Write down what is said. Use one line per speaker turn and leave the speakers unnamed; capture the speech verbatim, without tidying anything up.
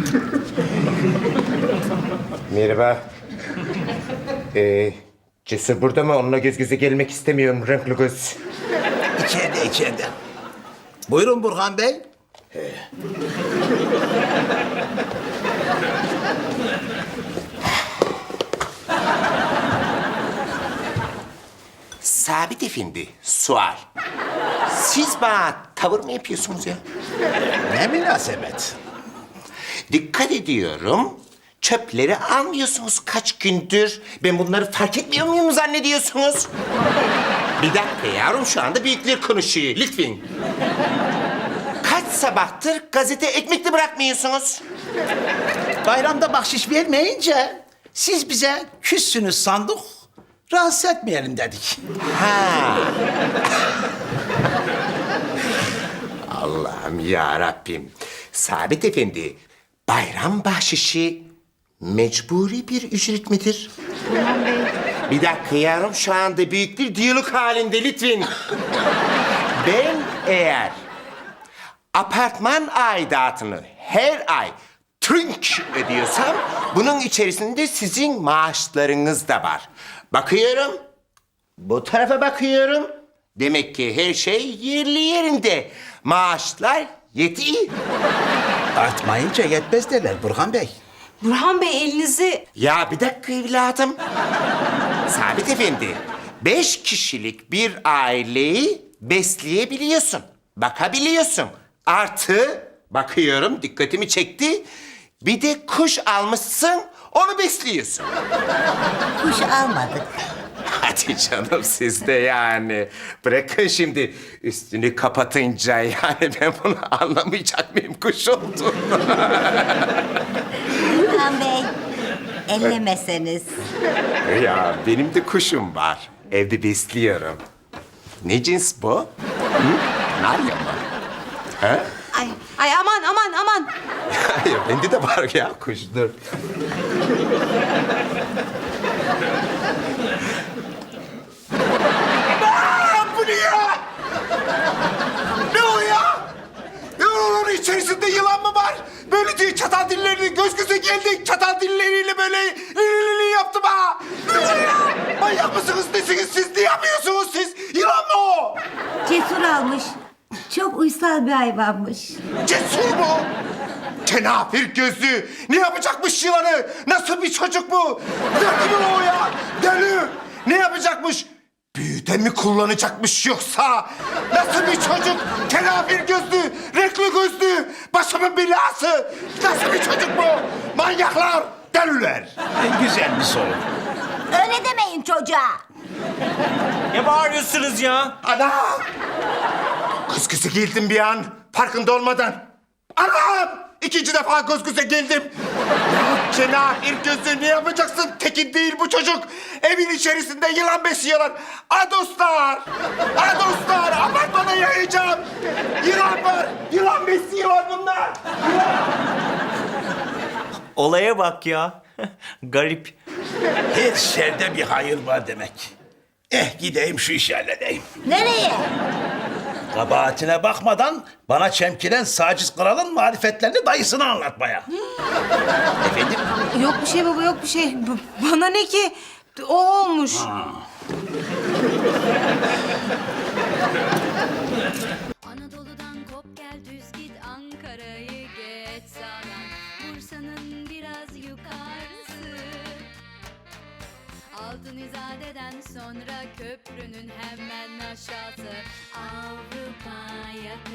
Merhaba. Ee, Cesur burada mı? Onunla göz göze gelmek istemiyorum renkli göz.
İçeride, içeride. Buyurun Burhan Bey.
Sabit Efendi, sual. Siz bana tavır mı yapıyorsunuz ya?
Ne münasebet.
Dikkat ediyorum. Çöpleri almıyorsunuz kaç gündür. Ben bunları fark etmiyor muyum zannediyorsunuz? Bir dakika yavrum, şu anda büyükler konuşuyor. Lütfen. Kaç sabahtır gazete ekmekli bırakmıyorsunuz?
Bayramda bahşiş vermeyince siz bize küssünüz sandık. Rahatsız etmeyelim dedik.
Ha. Allah'ım ya Rabbim. Sabit Efendi, bayram bahşişi mecburi bir ücret midir?
Burhan Bey.
Bir dakika yavrum, şu anda büyük bir diyalog halinde lütfen. Ben eğer apartman aidatını her ay trink ödüyorsam, bunun içerisinde sizin maaşlarınız da var. Bakıyorum, bu tarafa bakıyorum. Demek ki her şey yerli yerinde. Maaşlar yetiyor.
Artmayınca yetmez derler Burhan Bey.
Burhan Bey elinizi...
Ya bir dakika evladım. Sabit Efendi, beş kişilik bir aileyi besleyebiliyorsun. Bakabiliyorsun. Artı, bakıyorum dikkatimi çekti. Bir de kuş almışsın, onu besliyorsun.
Kuş almadık.
Hadi canım, siz de yani. Bırakın şimdi üstünü kapatınca, yani ben bunu anlamayacak mıyım kuş olduğunu?
Burhan Bey, ellemeseniz.
Ya benim de kuşum var. Evde besliyorum. Ne cins bu? Hı? Narya mı? Ha?
Ay, ay aman aman aman.
Hayır, bende de var ya kuş. Dur. Aa, bu ne ya? Ne o ya? Ne o, onun içerisinde yılan mı var? Böyle diye çatal dillerini göz göze geldik. Çatal dilleriyle böyle li li li yaptım ha. Ne o ya? Manyak mısınız nesiniz siz? Ne yapıyorsunuz siz? Yılan mı o?
Cesur almış. Çok uysal bir hayvanmış.
Cesur mu? Kenafir gözlü. Ne yapacakmış yılanı? Nasıl bir çocuk bu? Deli mi o ya? Deli. Ne yapacakmış? Büyüde mi kullanacakmış yoksa? Nasıl bir çocuk? Kenafir gözlü, renkli gözlü, başımın belası. Nasıl bir çocuk bu? Manyaklar, deliler.
Güzel bir soru.
Öyle demeyin çocuğa.
Ne bağırıyorsunuz ya?
Ana! Kız kızı geldim bir an, farkında olmadan. Anam! İkinci defa göz göze geldim. Ya cenahir gözü, ne yapacaksın? Tekin değil bu çocuk. Evin içerisinde yılan besliyorlar. Adoslar! Adoslar! Apartmana yayacağım. Yılan var, yılan besliyorlar bunlar.
Olaya bak ya. Garip.
Her şerde bir hayır var demek. Eh gideyim şu işi halledeyim.
Nereye?
Kabahatine bakmadan bana çemkiren Saciz Kral'ın marifetlerini dayısına anlatmaya. Efendim?
Yok bir şey baba, yok bir şey. B- bana ne ki? O olmuş.
Anadolu'dan kop gel düz git Ankara'yı geç sağdan Bursa'nın biraz yukarısı Altın İzade'den sonra köprünün hemen aşağısı Avrupa yakası